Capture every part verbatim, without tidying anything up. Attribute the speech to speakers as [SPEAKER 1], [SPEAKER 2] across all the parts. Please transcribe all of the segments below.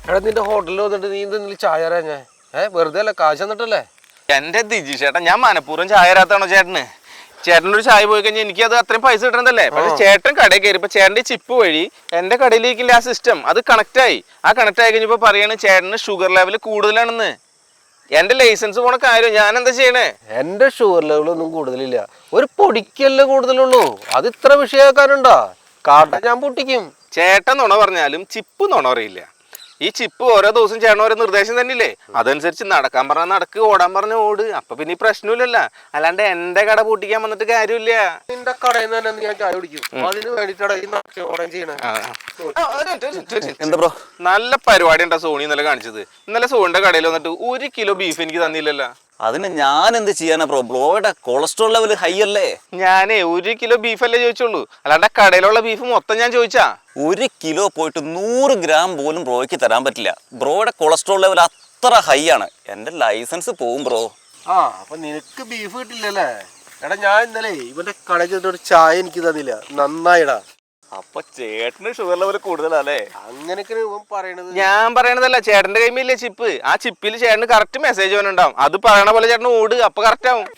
[SPEAKER 1] എടാ നിന്റെ ഹോട്ടലിൽ വന്നിട്ട് നീ എന്തെങ്കിലും ചായ തരാ ഞാൻ ഏഹ് വെറുതെ അല്ല കാശ് തന്നിട്ടല്ലേ?
[SPEAKER 2] എന്റെ ദിജി ചേട്ടാ, ഞാൻ മനഃപൂർവ്വം ചായ തരാത്താണോ ചേട്ടന്? ചേട്ടനൊരു ചായ പോയി കഴിഞ്ഞാൽ എനിക്ക് അത് അത്രയും പൈസ കിട്ടണതല്ലേ. പക്ഷെ ചേട്ടൻ കടയിൽ കയറിയപ്പോ ചേട്ടന്റെ ചിപ്പ് വഴി എന്റെ കടയിലേക്കില്ല ആ സിസ്റ്റം, അത് കണക്ട് ആയി. ആ കണക്ട് ആയി കഴിഞ്ഞപ്പോ പറയാണ് ചേട്ടന് ഷുഗർ ലെവൽ കൂടുതലാണെന്ന്. എന്റെ ലൈസൻസ് പോണ കാര്യം ഞാൻ എന്താ ചെയ്യണേ?
[SPEAKER 1] എന്റെ ഷുഗർ ലെവൽ ഒന്നും കൂടുതലില്ല, ഒരു പൊടിക്കല്ലേ കൂടുതലുള്ളൂ. അത് ഇത്ര വിഷയക്കാരുണ്ടോ? കാട്ട ഞാൻ പൊട്ടിക്കും.
[SPEAKER 2] ചേട്ടൻ നുണ പറഞ്ഞാലും ചിപ്പ് നുണ പറയില്ല. ഈ ചിപ്പ് ഓരോ ദിവസം ചേട്ടൻ ഓരോ നിർദ്ദേശം തന്നെയില്ലേ, അതനുസരിച്ച് നടക്കാൻ പറഞ്ഞാൽ നടക്ക്, ഓടാൻ പറഞ്ഞ ഓട്. അപ്പൊ പിന്നെ ഈ പ്രശ്നമില്ലല്ലോ. അല്ലാണ്ട് എന്റെ കട പൂട്ടിക്കാൻ വന്നിട്ട് കാര്യമില്ല.
[SPEAKER 1] നിന്റെ കടയിൽ നിന്ന് തന്നെ ഞാൻ ചായ കുടിക്കും. അതിന് വേണ്ടിട്ടാണ് ചെയ്യണേ.
[SPEAKER 2] എന്താ ബ്രോ, നല്ല പരിപാടി ഉണ്ടാ സോണി ഇന്നലെ കാണിച്ചത്. ഇന്നലെ സോണിന്റെ കടയിൽ വന്നിട്ട് ഒരു കിലോ ബീഫ് എനിക്ക് തന്നില്ലല്ലോ.
[SPEAKER 3] അതിന് ഞാൻ എന്ത് ചെയ്യാനാ ബ്രോ? ബ്രോയുടെ കൊളസ്ട്രോൾ ലെവൽ ഹൈ അല്ലേ?
[SPEAKER 2] ഞാനേ ഒരു കിലോ ബീഫ് അല്ലേ ചോദിച്ചുള്ളൂ, അല്ലാണ്ട് കടയിലുള്ള ബീഫ് മൊത്തം ഞാൻ ചോദിച്ചാ.
[SPEAKER 3] ഒരു കിലോ പോയിട്ട് നൂറ് ഗ്രാം പോലും ബ്രോയ്ക്ക് തരാൻ പറ്റില്ല. ബ്രോയുടെ കൊളസ്ട്രോൾ ലെവൽ അത്ര ഹൈ ആണ്. എന്റെ ലൈസൻസ് പോവും ബ്രോ.
[SPEAKER 1] ആ അപ്പൊ നിനക്ക് ബീഫ് കിട്ടില്ലല്ലേ? എടാ ഞാൻ ഇന്നലെ ഇവന്റെ കടയിൽ ചെന്നിട്ട് ചായ എനിക്ക് തന്നില്ല. നന്നായിടാ.
[SPEAKER 3] അപ്പൊ ചേട്ടന് ഷുഗർ ലെവൽ കൂടുതലല്ലേ?
[SPEAKER 1] അങ്ങനെയൊക്കെ പറയണത്
[SPEAKER 2] ഞാൻ പറയണതല്ല, ചേട്ടന്റെ കൈമില്ലേ ചിപ്പ്. ആ ചിപ്പിൽ ചേട്ടന് കറക്റ്റ് മെസ്സേജ് വന്നിട്ടുണ്ടാവും. അത് പറയണ പോലെ ചേട്ടന് ഓട്, അപ്പൊ കറക്റ്റ് ആവും.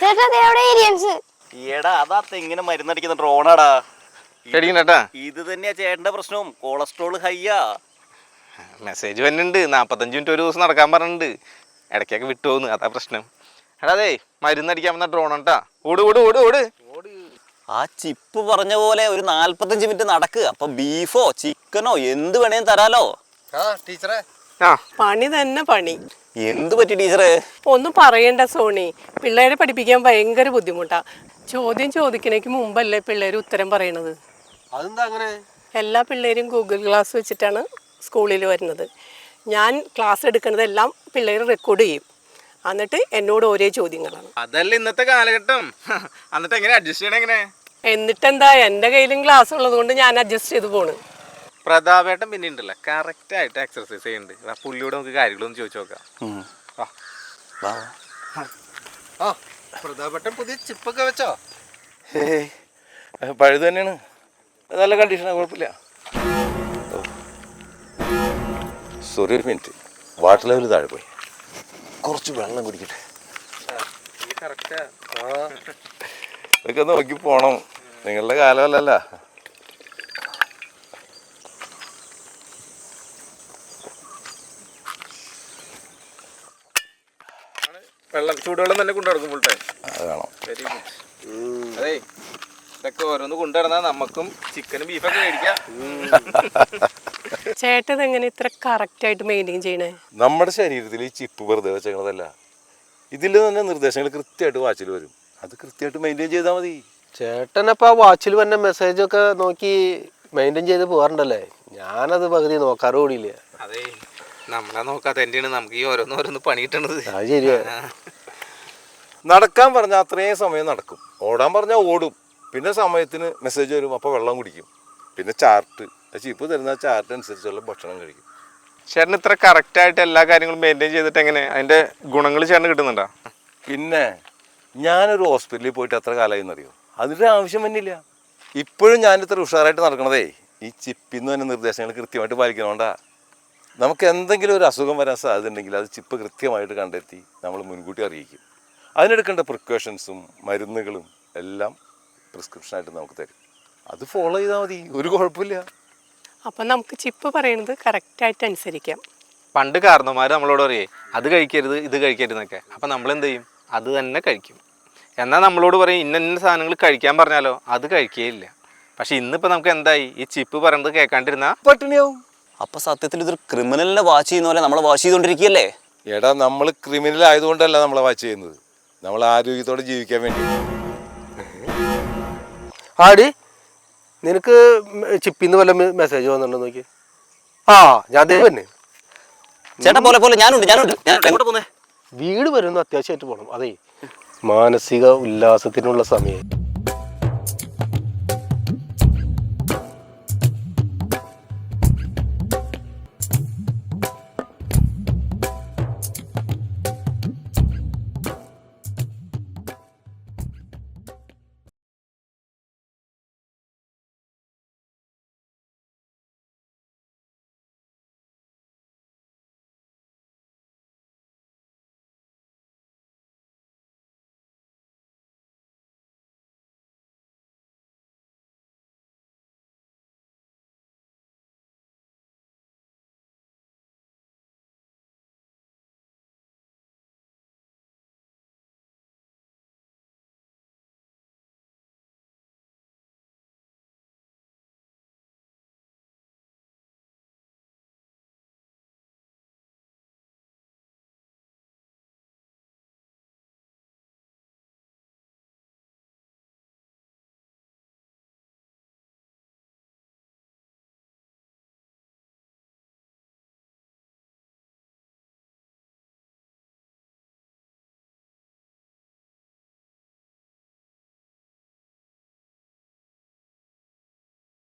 [SPEAKER 3] എടാ അതാ ഇങ്ങനെ മരുന്നടിക്കുന്ന ഡ്രോണാടാ.
[SPEAKER 2] പേടിക്കണ്ടാ,
[SPEAKER 3] ഇത് തന്നെയാ ചേട്ടന്റെ പ്രശ്നവും, കൊളസ്ട്രോൾ ഹൈയാ.
[SPEAKER 2] മെസ്സേജ് വന്നിട്ടുണ്ട്. നാപ്പത്തഞ്ച് മിനിറ്റ് ഒരു ദിവസം നടക്കാൻ പറഞ്ഞിട്ടുണ്ട്. ഇടയ്ക്കൊക്കെ വിട്ടുപോകുന്നു, അതാ പ്രശ്നം. എടാ അതെ, മരുന്നടിക്കാൻ വന്ന ഡ്രോൺ കേട്ടാ. ഓട് ഓട് ഓട് ഓട്.
[SPEAKER 3] ആ ചിപ്പ് പറഞ്ഞ പോലെ ഒരു നാല്പത്തഞ്ച് മിനിറ്റ് നടക്കുക. അപ്പൊ ബീഫോ ചിക്കനോ എന്ത് വേണേലും തരാലോ.
[SPEAKER 1] ടീച്ചറെ
[SPEAKER 4] പണി തന്നെ പണി.
[SPEAKER 3] എന്ത് പറ്റി ടീച്ചറെ?
[SPEAKER 4] ഒന്നും പറയണ്ട സോണി, പിള്ളേരെ പഠിപ്പിക്കാൻ ഭയങ്കര ബുദ്ധിമുട്ടാ. ചോദ്യം ചോദിക്കണേക്ക് മുമ്പല്ലേ പിള്ളേർ ഉത്തരം പറയണത്.
[SPEAKER 1] അതെന്താ അങ്ങനെ?
[SPEAKER 4] എല്ലാ പിള്ളേരും ഗൂഗിൾ ക്ലാസ് വെച്ചിട്ടാണ് സ്കൂളിൽ വരുന്നത്. ഞാൻ ക്ലാസ് എടുക്കുന്നതെല്ലാം പിള്ളേർ റെക്കോർഡ് ചെയ്യും. എന്നിട്ട് എന്നോട് ഓരോ ചോദ്യങ്ങളാണ്.
[SPEAKER 2] അതല്ല ഇന്നത്തെ കാലഘട്ടം. എന്നിട്ട് എങ്ങനെ അഡ്ജസ്റ്റ് ചെയ്യണം? എങ്ങനെ?
[SPEAKER 4] എന്നിട്ടെന്താ, എൻ്റെ കയ്യിലും ക്ലാസ് ഉള്ളത് കൊണ്ട് ഞാൻ അഡ്ജസ്റ്റ് ചെയ്ത് പോണ്.
[SPEAKER 2] പ്രതാപേട്ടൻ പിന്നെ ഉണ്ടല്ലോ കറക്റ്റ് ആയിട്ട് എക്സർസൈസ് ചെയ്യുന്നുണ്ട്. പുള്ളിയോട് നമുക്ക് കാര്യങ്ങളൊന്നും ചോദിച്ചു നോക്കാം.
[SPEAKER 1] ആ പ്രതാപേട്ടൻ പുതിയ ചിപ്പൊക്കെ വെച്ചോ?
[SPEAKER 5] പഴുത് തന്നെയാണ്, നല്ല കണ്ടീഷനാണ്, കുഴപ്പമില്ല. സോറി ഒരു മിനിറ്റ്, വാട്ടർ ലെവൽ താഴെ പോയി, കുറച്ച് വെള്ളം കുടിക്കട്ടെ. ഇതൊക്കെ നോക്കി പോണം, നിങ്ങളുടെ കാലമല്ലല്ല.
[SPEAKER 2] വെള്ളം ചൂടുവെള്ളം തന്നെ കൊണ്ടു നടക്കും ഫുൾ ടൈം.
[SPEAKER 5] അത് വേണം.
[SPEAKER 2] Very good. അതെ, ഇതൊക്കെ ഓരോന്ന് കൊണ്ടുനടന്നാൽ നമുക്കും ചിക്കനും ബീഫൊക്കെ മേടിക്കാം.
[SPEAKER 4] ചേട്ടൻ എങ്ങനെ ഇത്ര കറക്റ്റ് ആയിട്ട് മെയിൻറ്റെയിൻ ചെയ്യണേ?
[SPEAKER 5] നമ്മുടെ ശരീരത്തിൽ ഈ ചിപ്പ് വെറുതെ വെച്ചേക്കണതല്ല, ഇതിൽ തന്നെ നിർദ്ദേശങ്ങൾ കൃത്യമായിട്ട് വാച്ചിൽ വരും. അത് കൃത്യമായിട്ട് മെയിൻറ്റെയിൻ ചെയ്താൽ മതി.
[SPEAKER 1] ചേട്ടനപ്പോ ആ വാച്ചിൽ വന്ന മെസ്സേജൊക്കെ നോക്കി മെയിൻറ്റെയിൻ ചെയ്ത് പോകാറുണ്ടല്ലേ? ഞാനത് പകുതി നോക്കാറ് കൂടിയില്ല.
[SPEAKER 2] അതെ, നമ്മളെ നോക്കാത്ത തന്നെയാണ് നമുക്ക് ഈ ഓരോന്ന് ഓരോന്ന് പണി കിട്ടണത്.
[SPEAKER 1] അത് ശരിയാ.
[SPEAKER 5] നടക്കാൻ പറഞ്ഞാൽ അത്രയും സമയം നടക്കും, ഓടാൻ പറഞ്ഞാൽ ഓടും. പിന്നെ സമയത്തിന് മെസ്സേജ് വരും, അപ്പോൾ വെള്ളം കുടിക്കും. പിന്നെ ചാർട്ട്, ചിപ്പ് തരുന്ന ചാർട്ട് അനുസരിച്ചുള്ള ഭക്ഷണം കഴിക്കും.
[SPEAKER 2] ചേട്ടൻ ഇത്ര കറക്റ്റായിട്ട് എല്ലാ കാര്യങ്ങളും മെയിൻറ്റെയിൻ ചെയ്തിട്ട് എങ്ങനെ അതിൻ്റെ ഗുണങ്ങൾ ചേട്ടന് കിട്ടുന്നുണ്ടോ?
[SPEAKER 5] പിന്നെ ഞാനൊരു ഹോസ്പിറ്റലിൽ പോയിട്ട് എത്ര കാലമായി എന്നറിയോ? അതിൻ്റെ ആവശ്യം തന്നെയില്ല. ഇപ്പോഴും ഞാനിത്ര ഉഷാറായിട്ട് നടക്കണതേ ഈ ചിപ്പിന്ന് തന്നെ നിർദ്ദേശങ്ങൾ കൃത്യമായിട്ട് പാലിക്കണോണ്ടാ. നമുക്ക് എന്തെങ്കിലും ഒരു അസുഖം വരാൻ സാധ്യത ഉണ്ടെങ്കിൽ അത് ചിപ്പ് കൃത്യമായിട്ട് കണ്ടെത്തി നമ്മൾ മുൻകൂട്ടി അറിയിക്കും. അതിനെടുക്കേണ്ട പ്രിക്കോഷൻസും മരുന്നുകളും എല്ലാം പ്രിസ്ക്രിപ്ഷനായിട്ട് നമുക്ക് തരും. അത് ഫോളോ ചെയ്താൽ മതി, ഒരു കുഴപ്പമില്ല.
[SPEAKER 4] അപ്പം നമുക്ക് ചിപ്പ് പറയണത് കറക്റ്റായിട്ട് അനുസരിക്കാം.
[SPEAKER 2] പണ്ട് കാരണവന്മാർ നമ്മളോട് പറയേ അത് കഴിക്കരുത് ഇത് കഴിക്കരുത് എന്നൊക്കെ. അപ്പം നമ്മൾ എന്ത് ചെയ്യും? അത് തന്നെ കഴിക്കും. എന്നാൽ നമ്മളോട് പറയും ഇന്ന ഇന്ന സാധനങ്ങൾ കഴിക്കാൻ പറഞ്ഞാലോ അത് കഴിക്കുകയില്ല. പക്ഷെ ഇന്നിപ്പോൾ നമുക്ക് എന്തായി? ഈ ചിപ്പ് പറയുന്നത് കേൾക്കാണ്ടിരുന്നാൽ പട്ടിണിയാവും.
[SPEAKER 3] അപ്പൊ സത്യത്തിൽ ഇതൊരു ക്രിമിനലിനെ വാച്ച് ചെയ്യുന്ന പോലെ നമ്മളെ വാച്ച് ചെയ്തോണ്ടിരിക്കുകയല്ലേ?
[SPEAKER 5] എടാ, നമ്മൾ ക്രിമിനൽ ആയതുകൊണ്ടല്ല നമ്മളെ വാച്ച് ചെയ്യുന്നത്, നമ്മൾ ആരോഗ്യത്തോടെ ജീവിക്കാൻ വേണ്ടി.
[SPEAKER 1] ആടി നിനക്ക് ചിപ്പിന്ന് വല്ല മെസ്സേജ് വന്നിട്ടുണ്ടോ നോക്കി? ആ ഞാൻ തന്നെ
[SPEAKER 3] ചേട്ടാ പോലെ പോലെ ഞാനുണ്ട് ഞാനുണ്ട് ഞാൻ എങ്ങോട്ട് പോന്നേ?
[SPEAKER 1] വീട് വരുന്നു, അത്യാവശ്യമായിട്ട് പോകണം. അതെ, മാനസിക ഉല്ലാസത്തിനുള്ള സമയം.